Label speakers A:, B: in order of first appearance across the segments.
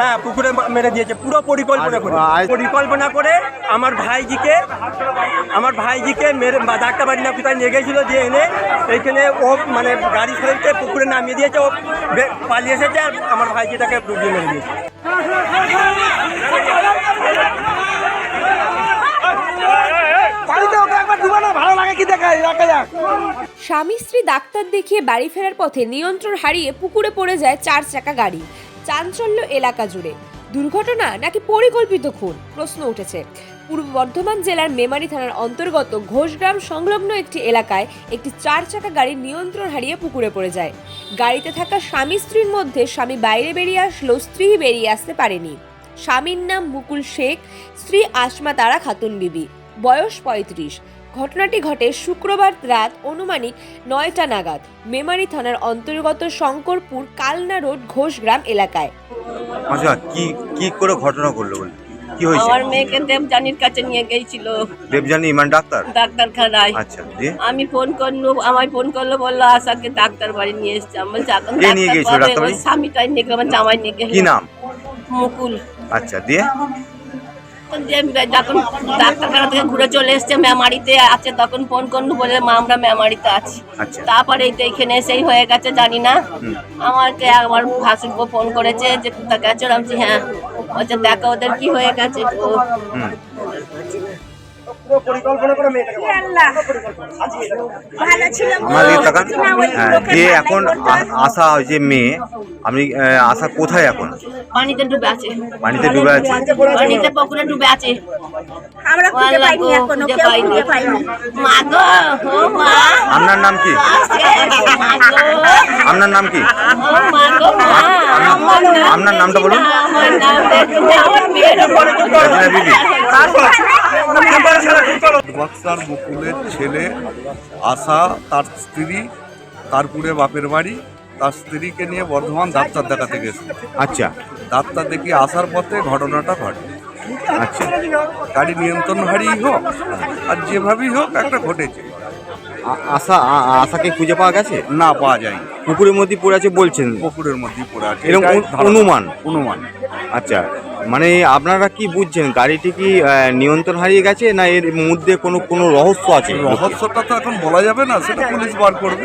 A: হ্যাঁ পুকুরে মেরে দিয়েছে পুরো পরিকল্পনা করে আমার ভাইজিকে মেরে ডাক্তার বাড়ি না কোথায় নিয়ে গেছিল, দিয়ে এনে এইখানে ও মানে গাড়ি ফেলতে পুকুরে নামিয়ে দিয়েছে, ও পালিয়ে এসেছে আর আমার ভাইজিটাকে ডুবিয়ে মেরে দিয়েছে।
B: স্বামী স্ত্রী ডাক্তার দেখিয়ে বাড়ি ফেরার পথে নিয়ন্ত্রণ হারিয়ে পুকুরে পড়ে যায় 4 চাকা গাড়ি। চাঞ্চল্য এলাকা জুড়ে। দুর্ঘটনা নাকি পরিকল্পিত খুন, প্রশ্ন উঠেছে। পূর্ব বর্ধমান জেলার মেমারি থানার অন্তর্গত ঘোষগ্রাম সংলগ্ন একটি এলাকায় একটি 4 চাকা গাড়ি নিয়ন্ত্রণ হারিয়ে পুকুরে পড়ে যায়। গাড়িতে থাকা স্বামী স্ত্রীর মধ্যে স্বামী বাইরে বেরিয়ে আসলেও স্ত্রী বেরিয়ে আসতে পারেনি। স্বামীর নাম মুকুল শেখ, স্ত্রী আসমা তারা খাতুন বিবি, বয়স 35। ঘটনাটি ঘটে শুক্রবার রাত অনুমানিক 9টা নাগাদ মেমারি থানার অন্তর্গত শঙ্করপুর কালনা রোড ঘোষগ্রাম এলাকায়।
C: আচ্ছা, কি করে ঘটনা ঘটলো বলে কি হয়েছে?
D: আমার মেয়েকে দেবজানির কাছে নিয়ে গিয়েছিল।
C: দেবজানি মানে
D: ডাক্তারখানায়।
C: আচ্ছা,
D: আমি ফোন করলো বললো আশাকে ডাক্তার বাড়ি নিয়ে এসছে। আমি বলছি এখন
C: কে নিয়ে গিয়েছিল ডাক্তার বাড়ি?
D: স্বামীটাই নিয়ে গেল, আমার জামাই নিয়ে গেল।
C: কি নাম?
D: মুকুল।
C: আচ্ছা, দিয়ে
D: যখন ডাক্তারখানা থেকে ঘুরে চলে এসছে মেমারিতে আছে, তখন ফোন করলো বলে মা আমরা মেমারিতে আছি। তারপরে এখানে এসেই হয়ে গেছে জানি না। আমাকে আমার ভাসুরকে ফোন করেছে যে কোথায় গেছো, আমি বলছি হ্যাঁ, বলছে দেখো ওদের কি হয়ে গেছে।
C: এখন আশা যে মেয়ে, আমি আশা কোথায় এখন?
D: পানিতে ডুবে আছে।
C: পানিতে ডুবে আছে?
D: পানিতে পুকুরে ডুবে আছে। আমরা খুঁজে পাইনি এখনো, কেউ খুঁজে পাইনি। মা গো, ও মা।
C: আপনার নাম কি? আপনার নাম কি?
D: মা গো, মা।
C: আপনার নামটা বলুন।
D: আমার নাম আমার মেয়ের
C: বিবি।
E: বক্সার মুকুলের ছেলে আশা, তার স্ত্রী তারপুরে বাপের বাড়ি, তার স্ত্রীকে নিয়ে বর্ধমান ডাক্তার দেখাতে গেছে।
C: আচ্ছা,
E: ডাক্তার দেখিয়ে আসার পথে ঘটনাটা ঘটে।
C: আচ্ছা,
E: গাড়ি নিয়ন্ত্রণ হারিয়ে হোক আর যেভাবেই হোক একটা ঘটেছে।
C: আশাকে খুঁজে পাওয়া গেছে?
E: না, পাওয়া যায়নি।
C: পুকুরের মধ্যে পড়ে আছে বলছেন?
E: পুকুরের মধ্যেই পড়ে আছে
C: এরকম
E: অনুমান।
C: আচ্ছা, মানে আপনারা কি বুঝছেন গাড়িটি কি নিয়ন্ত্রণ হারিয়ে গেছে না এর মধ্যে কোনো রহস্য আছে?
E: রহস্যটা তো এখন বলা যাবে না, সেটা পুলিশ বার করবে।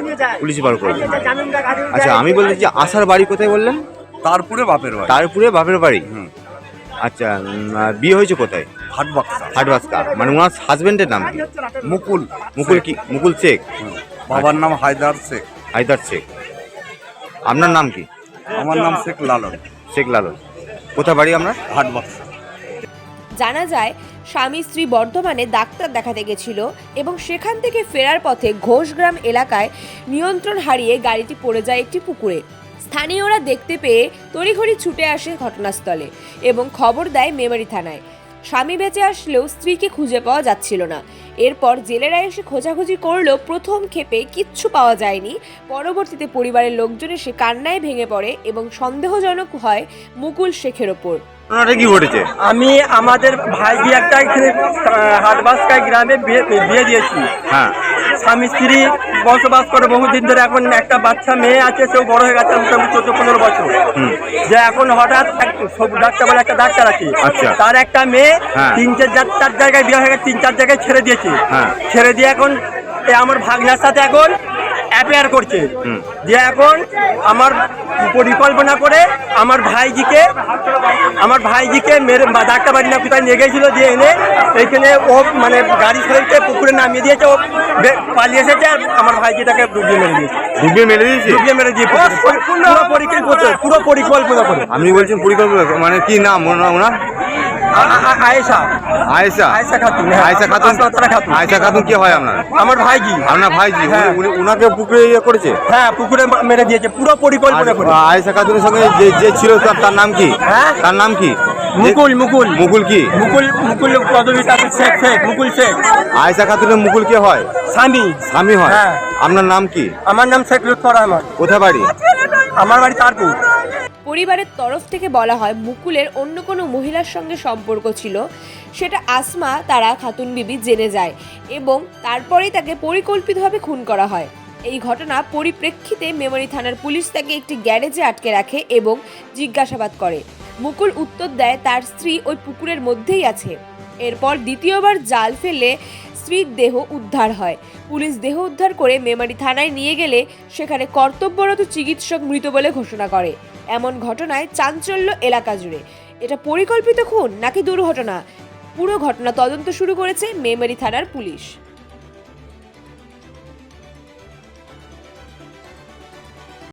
C: আচ্ছা, আমি বলছি যে আশার বাড়ি কোথায় বললেন?
E: তারপুরে বাপের বাড়ি।
C: তারপুরে বাপের বাড়ি। আচ্ছা, বিয়ে হয়েছে কোথায়? হাটবাক্সা। মানে ওনার হাজবেন্ডের নাম কি?
E: মুকুল
C: কি? মুকুল শেখ।
E: বাবার নাম হায়দার শেখ।
C: আপনার নাম কি?
E: আমার নাম শেখ লালন।
C: কোথায় বাড়ি আপনার?
E: হাটবাক্সা।
B: জানা যায় স্বামী স্ত্রী বর্ধমানে ডাক্তার দেখাতে গেছিল এবং সেখান থেকে ফেরার পথে ঘোষগ্রাম এলাকায় নিয়ন্ত্রণ হারিয়ে গাড়িটি পড়ে যায় একটি পুকুরে। স্থানীয়রা দেখতে পেয়ে তড়িঘড়ি ছুটে আসে ঘটনাস্থলে এবং খবর দেয় মেমারি থানায়। স্বামী বেঁচে আসলেও স্ত্রীকে খুঁজে পাওয়া যাচ্ছিল না। এরপর জেলেরা এসে খোঁজাখুঁজি করলেও প্রথম ক্ষেপে কিচ্ছু পাওয়া যায়নি। পরবর্তীতে পরিবারের লোকজন এসে কান্নায় ভেঙে পড়ে এবং সন্দেহজনক হয় মুকুল শেখের ওপর।
C: কি ঘটেছে?
A: আমি আমাদের ভাইজি একটা হাটবাক্সা গ্রামে বিয়ে দিয়েছি।
C: হ্যাঁ,
A: স্বামী স্ত্রী বসবাস করে বহুদিন ধরে। এখন একটা বাচ্চা মেয়ে আছে, সেও বড় হয়ে গেছে মোটামুটি 14-15 বছর। যে এখন হঠাৎ ডাক্তার বলে একটা ডাক্তার আছে, তার একটা মেয়ে 3-4 জায়গায় বিয়ে হয়ে গেছে, 3-4 জায়গায় ছেড়ে দিয়েছে। ছেড়ে দিয়ে এখন আমার ভাগনার সাথে এখন অ্যাফেয়ার করছে। যে এখন আমার পরিকল্পনা করে আমার ভাইজিকে মেরে ডাক্তার বাড়ি না কোথায় নিয়ে গেছিল, দিয়ে এনে এইখানে ও মানে গাড়ি ফেলতে পুকুরে নামিয়ে দিয়েছে, ও পালিয়ে এসেছে আর আমার ভাইজিটাকে ডুবিয়ে মেরে দিয়েছে। পুরো পরিকল্পনা করে।
C: আপনি বলছেন পরিকল্পনা, মানে কি নাম ওনার? আয়েশা খাতুন কি হয় আপনার?
A: আমার ভাইজি।
C: আপনার ভাইজি? ওনাকে পুকুরে করেছে?
A: হ্যাঁ, পুকুরে মেরে দিয়েছে পুরো পরিকল্পনা করে।
C: আয়েশা খাতুনের সঙ্গে যে ছিল তার নাম কি? তার নাম কি? মুকুল কি?
A: মুকুল পদবীটা শেখ মুকুল শেখ।
C: আয়েশা খাতুনের মুকুল কে হয়? স্বামী হয়। আপনার নাম কি?
A: আমার নাম শেখ লুৎফর রহমান।
C: কোথায় বাড়ি?
A: আমার বাড়ি তারপুর।
B: পরিবারের তরফ থেকে বলা হয় মুকুলের অন্য কোনো মহিলার সঙ্গে সম্পর্ক ছিল, সেটা আসমা তারা খাতুন বিবি জেনে যায় এবং তারপরেই তাকে পরিকল্পিতভাবে খুন করা হয়। এই ঘটনা পরিপ্রেক্ষিতে মেমারি থানার পুলিশ তাকে একটি গ্যারেজে আটকে রাখে এবং জিজ্ঞাসাবাদ করে। মুকুল উত্তর দেয় তার স্ত্রী ওই পুকুরের মধ্যেই আছে। এরপর দ্বিতীয়বার জাল ফেলে স্ত্রীর দেহ উদ্ধার হয়। পুলিশ দেহ উদ্ধার করে মেমারি থানায় নিয়ে গেলে সেখানে কর্তব্যরত চিকিৎসক মৃত বলে ঘোষণা করে। এমন ঘটনায় চাঞ্চল্য এলাকা জুড়ে। এটা পরিকল্পিত খুন নাকি দুর্ঘটনা? পুরো ঘটনা তদন্ত শুরু করেছে মেমারি থানার পুলিশ।